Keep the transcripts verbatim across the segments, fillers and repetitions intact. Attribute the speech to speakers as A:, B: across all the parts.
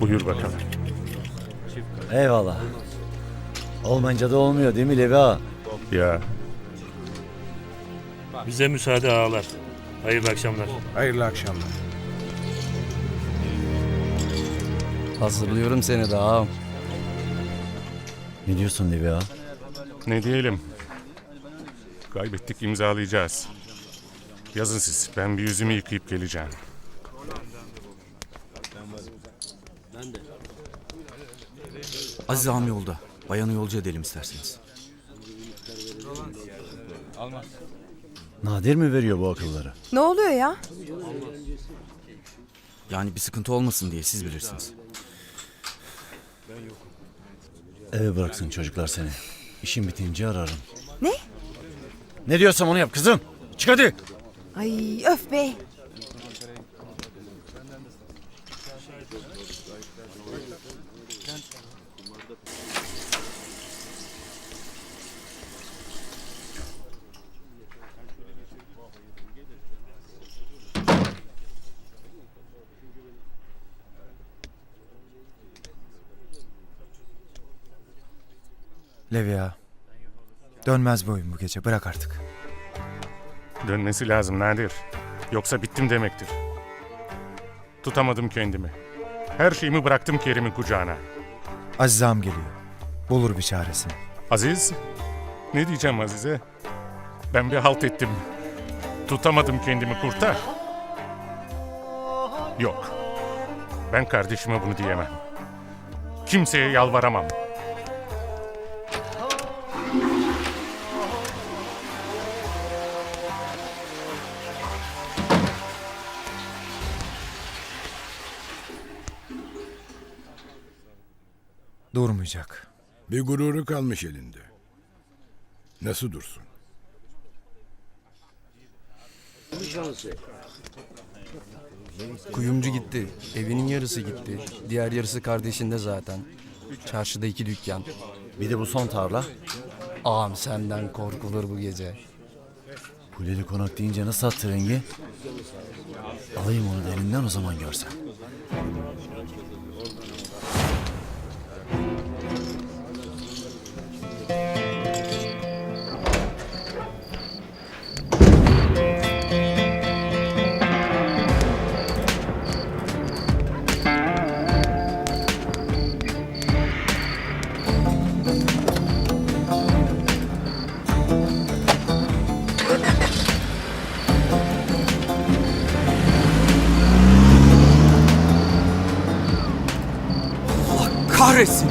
A: Buyur bakalım.
B: Eyvallah. Olmayınca da olmuyor değil mi Levi ağa?
A: Ya
C: Bize müsaade ağalar. Hayırlı akşamlar.
D: Hayırlı akşamlar.
E: Hazırlıyorum seni de ağam.
B: Ne diyorsun Levi ağa?
A: ne diyelim. Kaybettik, imzalayacağız. Yazın siz. Ben bir yüzümü yıkayıp geleceğim.
F: Aziz ağam yolda. Bayanı yolcu edelim isterseniz.
B: Nadir mi veriyor bu akılları?
G: Ne oluyor ya?
F: Yani bir sıkıntı olmasın diye siz bilirsiniz.
B: Eve bıraksın çocuklar seni. İşim bitince ararım.
G: Ne?
B: Ne diyorsam onu yap kızım. Çık hadi.
G: Ay öf be.
D: Levi ağa. Dönmez bu oyun bu gece. Bırak artık.
A: Dönmesi lazım Nadir. Yoksa bittim demektir. Tutamadım kendimi. Her şeyimi bıraktım Kerim'in kucağına.
D: Aziz ağam geliyor. Bulur bir çaresini.
A: Aziz? Ne diyeceğim Aziz'e? Ben bir halt ettim. Tutamadım kendimi, kurtar. Yok. Ben kardeşime bunu diyemem. Kimseye yalvaramam.
D: Durmayacak.
H: Bir gururu kalmış elinde. Nasıl dursun?
E: Kuyumcu gitti. Evinin yarısı gitti. Diğer yarısı kardeşinde zaten. Çarşıda iki dükkan.
B: Bir de bu son tarla.
E: Ağam senden korkulur bu gece.
B: Kuleli konak deyince nasıl attı rengi? Alayım onu elinden o zaman görsen.
F: Kahretsin!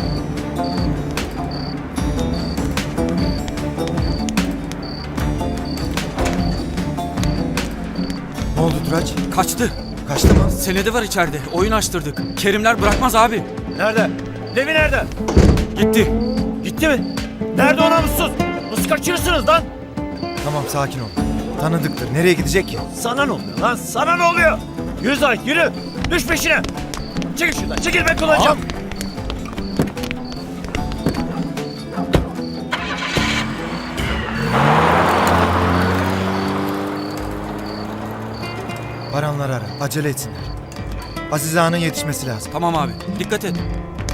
D: Ne oldu Turaç?
F: Kaçtı.
D: Kaçtı mı?
F: Senedi var içeride. Oyun açtırdık. Kerimler bırakmaz abi.
B: Nerede? Levi nerede?
F: Gitti.
B: Gitti mi? Nerede o namussuz? Nasıl kaçırırsınız lan?
D: Tamam sakin ol. Tanıdıktır. Nereye gidecek ki?
B: Sana ne oluyor lan? Sana ne oluyor? Yürü Zahit yürü. Düş peşine. Çekil şuradan. Çekil ben kullanacağım.
D: Baranları ara. Acele etsinler. Aziz ağanın yetişmesi lazım.
F: Tamam abi. Dikkat et.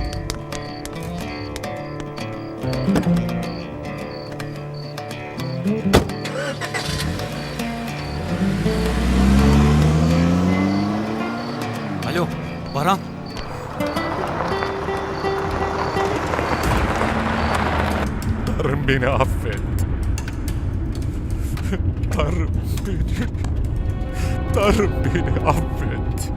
F: Alo. Baran.
A: Tanrım beni affet. Tanrım beni... Tanrım beni affet.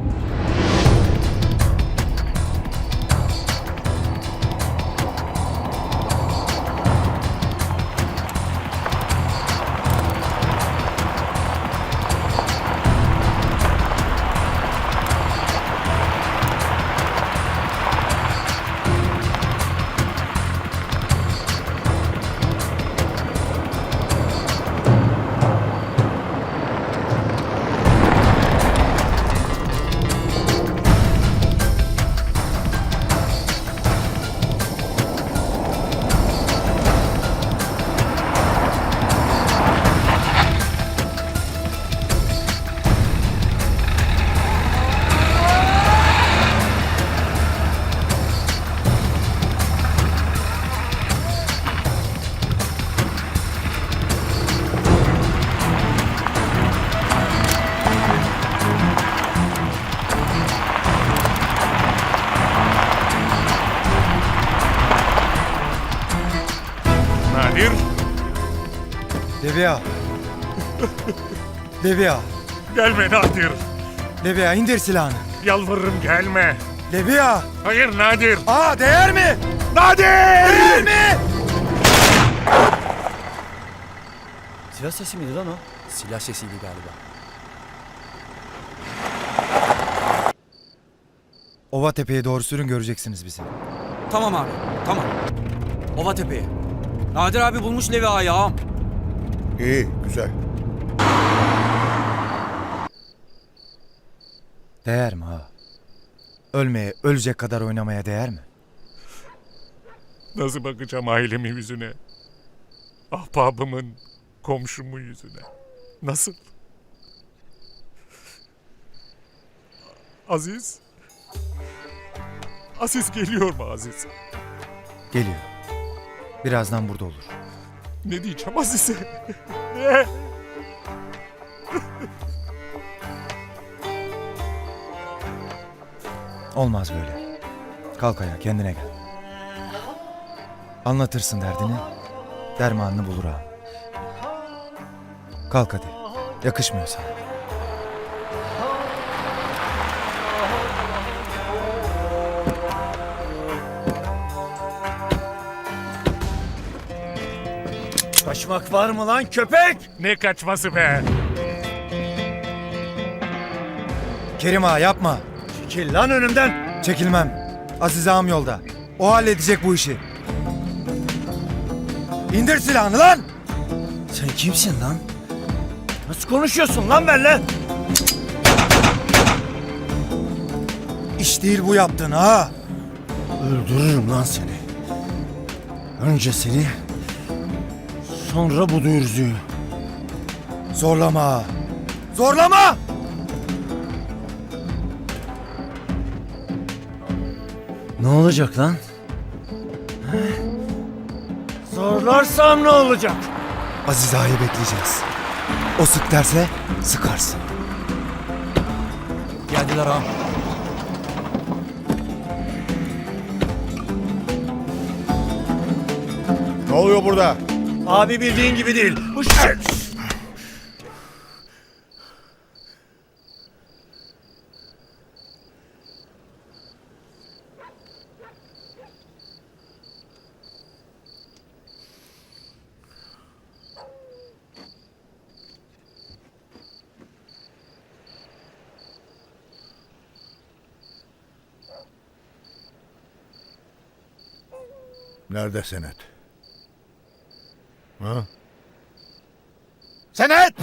D: Levi ağa. Levi ağa.
A: Gelme Nadir.
D: Levi ağa indir silahını.
A: Yalvarırım gelme.
D: Levi ağa.
A: Hayır Nadir.
D: Aa değer mi?
A: Nadir!
D: Değer mi?
B: Silah sesi miydi lan o?
E: Silah sesiydi galiba.
D: Ova tepeye doğru sürün, göreceksiniz bizi.
F: Tamam abi, tamam. Ova Tepe'ye. Nadir abi bulmuş Levi Ağa'yı ağam.
H: İyi, güzel.
D: Değer mi ha? Ölmeye, ölecek kadar oynamaya değer mi?
A: Nasıl bakacağım ailemin yüzüne? Ahbabımın, komşumun yüzüne. Nasıl? Aziz? Aziz geliyor mu Aziz?
D: Geliyor. Birazdan burada olur.
A: Ne diyeceğim Aziz'e? Ne?
D: Olmaz böyle. Kalk ayağa, kendine gel. Anlatırsın derdini, dermanını bulur ağam. Kalk hadi. Yakışmıyor sana.
B: Kaçmak var mı lan köpek?
A: Ne kaçması be?
D: Kerim ağa yapma.
B: Çekil lan önümden.
D: Çekilmem. Aziz ağam yolda. O halledecek bu işi. İndir silahını lan!
B: Sen kimsin lan? Nasıl konuşuyorsun lan benimle?
D: İş değil bu yaptığın ha.
B: Öldürürüm lan seni. Önce seni, sonra bu dürzüyü.
D: Zorlama. Zorlama!
B: Ne olacak lan? He? Zorlarsam ne olacak?
D: Aziz ağayı bekleyeceğiz. O sık derse sıkarsın.
E: Geldiler ağam.
H: Ne oluyor burada?
B: Abi bildiğin gibi değil. Bu şey.
H: Nerede senet? Ha? Senet!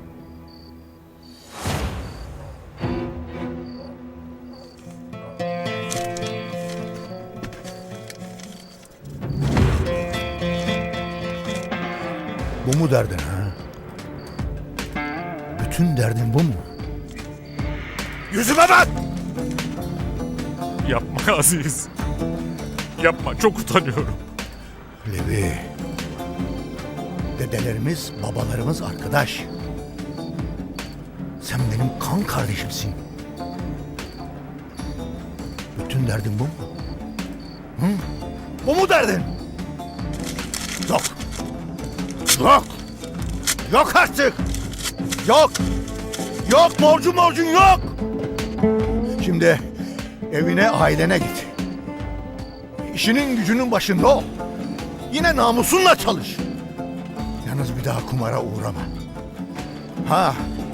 H: Bu mu derdin ha? Bütün derdin bu mu? Yüzüme bak!
A: Yapma Aziz. Yapma, çok utanıyorum.
H: Levi. Dedelerimiz, babalarımız arkadaş. Sen benim kan kardeşimsin. Bütün derdin bu mu? Hı? Bu mu derdin? Yok. Yok. Yok artık. Yok. Yok borcun borcun yok. Şimdi evine, ailene git. İşinin gücünün başında ol. Yine namusunla çalış. Yalnız bir daha kumara uğrama. Ha.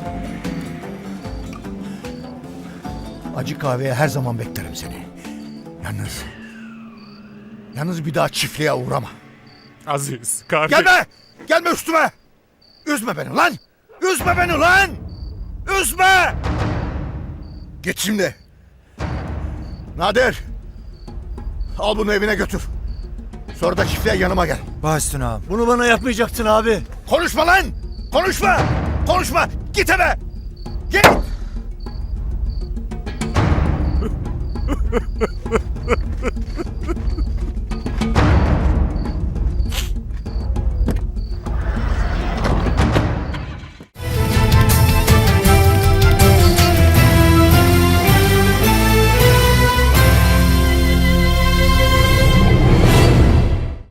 H: Acı kahveye her zaman beklerim seni. Yalnız... Yalnız bir daha çiftliğe uğrama.
A: Aziz, kardeş.
H: Gelme! Gelme üstüme! Üzme beni lan! Üzme beni lan! Üzme! Git şimdi. Nadir! Al bunu evine götür. Sonra da çiftliğe yanıma gel.
D: Baş üstüne ağam.
B: Bunu bana yapmayacaktın abi.
H: Konuşma lan! Konuşma! Konuşma! Git eve! Git!